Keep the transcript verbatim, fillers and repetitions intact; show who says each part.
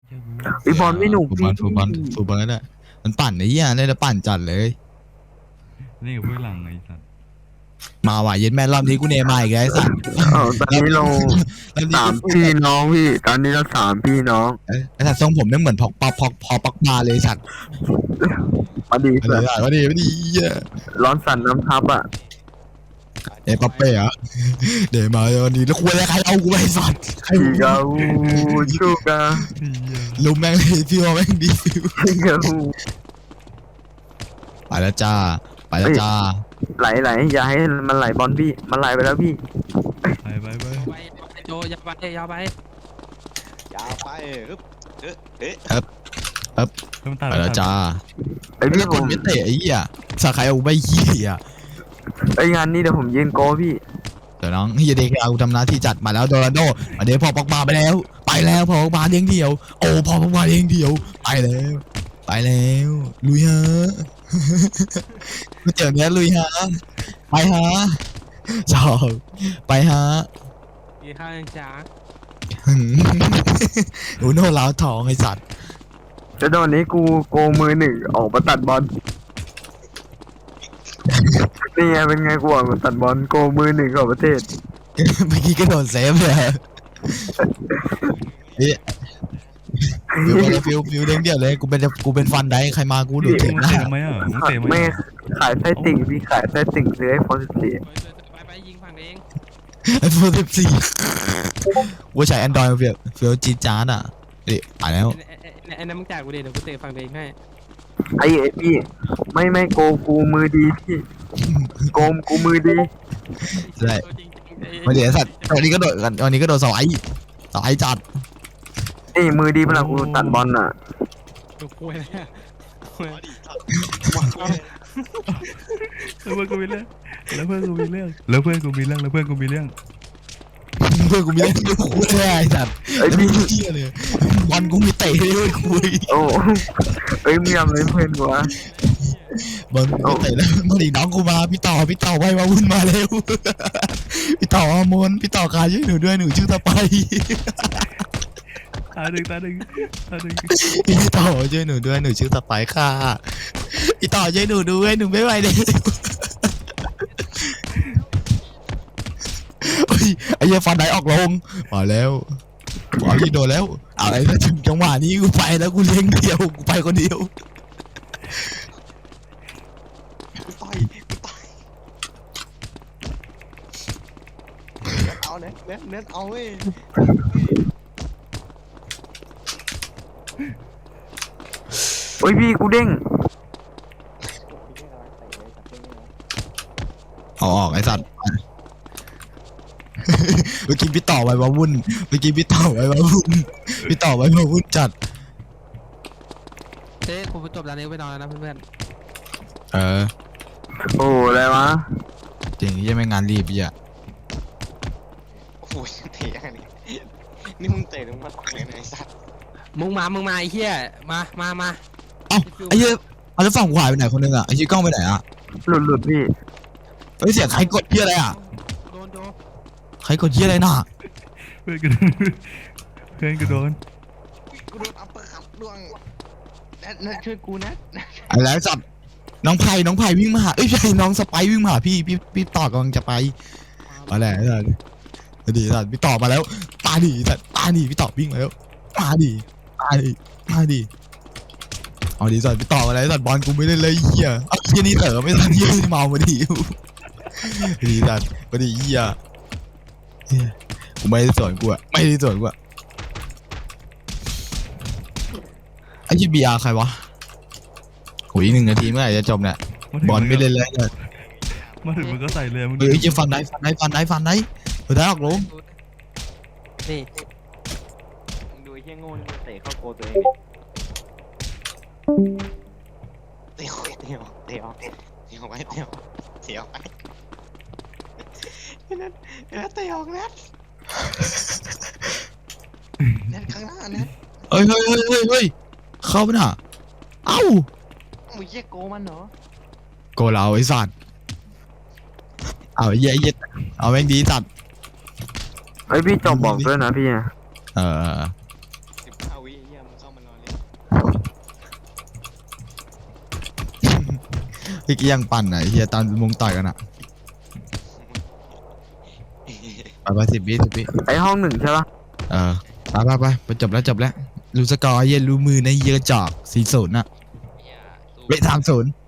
Speaker 1: ไอบอลไม่หนุก
Speaker 2: ฟูบอลฟูบอลฟูบอลนั่นแหละมันปั่นไอ้เหี้ยเนี่ยปั่นจัดเลย
Speaker 3: นี่กับเพื่อนหลังไอ้สัตว์
Speaker 2: มาว่ะเย็นแม่รอบนี้กูเนมาอีกแล้วไอ้สัตว์
Speaker 1: เออตอนนี้เราสามพี่น้องพี่ตอนนี้เราสามพี่น้อง
Speaker 2: ไอ้สัตว์ทรงผมเนี่ยเหมือนพอกปอกพอกพอปักมาเลยสัตว์
Speaker 1: มาดี
Speaker 2: อะไร
Speaker 1: สัตว์
Speaker 2: อ่ะมาดีมาดีเหี้ย
Speaker 1: ร้อนสั่นน้ำทับอ่ะ
Speaker 2: เอ้ปั๊บเป้อะเดี๋ยวมาวันนี้แล้วควรอะไรใครเอากูไปสัตว์ใคร
Speaker 1: พี่กาวูชูกา
Speaker 2: ลุมแม่งเลยพี่ว่าแม่งดีฟิว
Speaker 1: พี่กาวู
Speaker 2: ไปแล้วจ้าไปแล้วจ้า
Speaker 1: ไหลไหลอย่าให้มันไหลบอลพี่มันไหลไปแล้วพี่
Speaker 3: ไปไปไป
Speaker 4: ไปไปโจยาวไปยาวไป
Speaker 5: ยาวไปฮึบเอ๊ะเอ๊ะ
Speaker 3: เพิ่มตา
Speaker 2: ไปแล้วจ้า
Speaker 1: ไอพี่
Speaker 2: ไอ้
Speaker 1: ผ
Speaker 2: คน
Speaker 1: ม
Speaker 2: ไม่เตะไอ้เหี้ยสาใครเอาไปเหี้ย
Speaker 1: ไองานนี้เดี๋ยวผมยืนโกพี่
Speaker 2: เดี๋ยวน้องเฮียเด็กเอาทำหน้าที่จัดมาแล้วโดรันโดมาเดี๋ยวพอปอกมาไปแล้ว ไปแล้วพอปอกมาเลี้ยงเดียว โอ้พอปอกมาเลี้ยงเดียวไปแล้วไปแล้วลุยฮะ มาเจอเนี้ยลุยฮะไปฮะชอบไปฮะ
Speaker 4: มีข้าวยังจ้า
Speaker 2: หึ หนูโน่ล้าวทองไอสัตว์
Speaker 1: จะโดนนี้กูโกมือหนึ่งออกมาตัดบอลนี่ไงเป็นไงกูออกมาตัดบอลโกมือหนึ่งของประเทศ
Speaker 2: เมื่อกี้ก็โดนเซฟเลยนี่ฟิวไปเลยฟิวฟิวเลี้ยงเดียวเลยกูเป็นกูเป็นฟันได้ใครมากูดูด
Speaker 3: มึ
Speaker 2: ถึ
Speaker 3: ง
Speaker 2: งหน้า
Speaker 3: เตะทำไมอ่ะมึงเตะไหม
Speaker 1: ไม่
Speaker 3: อ่ะ
Speaker 1: ขายไส้ติ่งพี่ขายไส้ติ่งซื้อไอโฟนสิบสี่
Speaker 4: ไปไปยิงฝั่งเอง
Speaker 2: ไอโฟนสิบสี่ว่าใช้แอนดรอยเฟียวเฟียวจีจาร์ดอ่ะนี่ไปแล้ว
Speaker 4: ไอ้นั่นมึงจ่ายกูดิเดี๋ยวกูเตะฝั่งเองให้
Speaker 1: ไอ้ไอ้พี่ไม่ไม่โกกูมือดีพี่โกมกูมือดี
Speaker 2: ใช่มาเดี๋ยวสัตว์วันนี้ก็โดดกันวันนี้ก็โดดสไลด์สไลด์จัด
Speaker 1: นี่มือดีเวลากูตัดบอลน่ะ
Speaker 4: ดูคุยเลย
Speaker 3: แล้วเพื่อนกูมีเรื่องแล้วเพื่อนกูมีเรื่องแล้วเพื่อนกูมีเรื่องแล้วเพื่อนกูมีเรื่อง
Speaker 2: เพื่อนกูมีเล่นดูคุยไอ้สัตว์
Speaker 1: ไอ้
Speaker 2: แล้ว
Speaker 1: พี่
Speaker 2: มีเที่ยเลยบอลกูมีเตะด้วยคุย
Speaker 1: โอ้เอ้ยมึงทำอะไรเพื่อนกูวะ
Speaker 2: บอลกูเตะแล้วมาดิน้องกูมาพี่ต่อพี่ต่อไว้มาวุ่นมาเร็วพี่ต่ออามนพี่ต่อการช่วยหนูด้วยหนูชื่อตะไป
Speaker 3: ตาหนึ่งตาหนึ่งตาหนึ่ง
Speaker 2: พี่ต่อช่วยหนูด้วยหนูชื่อตะไปค่ะพี่ต่อช่วยหนูด้วยหนูไม่ไหวเลยเฮ้ยไอ้เหี้ยฟันไหนออกลงมาแล้วมาที่โดนแล้วอะไรถ้าถึงจังหวะนี้กูไปแล้วกูเลี้ยงเดียวกูไปคนเดียว
Speaker 5: กูต่อยกูต่อยเอาเน็ตเน็ตเน็ตเอาเว้ย
Speaker 1: โอ้ยพี่กูเด้ง
Speaker 2: เอาออกไอ้สัตว์ เมื่อกี้พี่ต่อไว้มาวุ่นเมื่อกี้พี่ต่อไว้มาวุ่นพี่ต่อไว้มาวุ่นจัด
Speaker 4: เฮ้ยผมจบแล้วนี้ไปนอนแล้วนะเพื่อน
Speaker 2: เออ
Speaker 1: โอ้อะไรวะ
Speaker 2: จริงยังไม่งานรีบอ่ะ
Speaker 5: โอ้โหเตะยังไงนี่มึงเตะมึงมาตักเลยนะไอ้สัตว์
Speaker 4: มึงมามึงมาไอ้เหี้ยมามามา
Speaker 2: เอ้าไอ้เหี้ยเอาแล้วฝั่งขวาไปไหนคนนึงอ่ะไอ้ชี้กล้องไปไหนอ่ะ
Speaker 1: หลุดหลุดพี่
Speaker 2: เฮ้ยเสียงใครกดเหี้ยอะไรอ่ะ
Speaker 4: โดนโดน
Speaker 2: ใครกดเหี้ยอะไรน่ะ
Speaker 3: เพื่อนกูโดนเพื่อนกูโดน
Speaker 5: กูโดนอัปเปอร์คัตดวงเน็ตเน็ตช่วยกูนะ
Speaker 2: อะไรสัตว์น้องไผ่น้องไผ่วิ่งมาหาเอ้ยใช่น้องสไปวิ่งมาหาพี่พี่พี่ต่อกำลังจะไปมาแล้วไอ้สัตว์มาดีสัตว์พี่ต่อมาแล้วตาดีสัตว์ตาดีพี่ต่อวิ่งมาแล้วตาดีตาดีตาดีเอาดีสัตว์พี่ต่อมาแล้วสัตว์บอลกูไม่ได้เลยเหี้ยเอาเหี้ยนี่เต๋อไม่ทันเหี้ยเมามาดีดีสัตว์มาดีเหี้ยเหี้ยกูไม่ได้สวนกูอะไม่ได้สวนกูอะไอ้ยี่บีอาร์ใครวะโหอีกหนึ่งนาทีเมื่อไหร่จะจบเนี่ยบอลไม่เล่นแล้วเนี่ย
Speaker 3: มาถึงมึงก็ใส่เลยมึง
Speaker 2: เฮ้ยจะฟันได้ฟันได้ฟันได้ฟันได้เฮ้ยได้ออกลง
Speaker 4: นี่
Speaker 5: มึงดูไอ้เหี้ยโง่นี่มันเตะเข้าโกตัวเองเตะเตะเตะเตะไว้เตะเตะไว้เน็ตเน็ตเตะออกเน็ตเน็ตข้างหน้าเน็ต
Speaker 2: เฮ้ยเฮ้ยเฮ้ยเฮ้ยเฮ้ยเข้าไปน่ะเอ้า
Speaker 5: มึงเหี้ยโกมันเหรอ
Speaker 2: โกเราไอ้สัตว์เอาไอ้เหี้ยไอ้เหี้ยเอาแม่งดีสัตว์
Speaker 1: ไอ้ยพี่จบบอกด้วยนะพี่
Speaker 2: เออ
Speaker 5: สิบห้าวิเหี้ยมึงเข้ามารอเล่น
Speaker 2: พี่กี้ยังปั่นอ่ะไอ้เฮียตอนมงต่อยกันอ่ะไปไปสิบวิสิบวิ
Speaker 1: ไอห้องหนึ่งใช่ปะ
Speaker 2: เออไปไปไปไปจบแล้วจบแล้วรู้สกอร์เย็นรู้มือในเยอะจอกสี่ศูนย์นะ
Speaker 5: อย่าสู้
Speaker 2: เวทสามศูนย์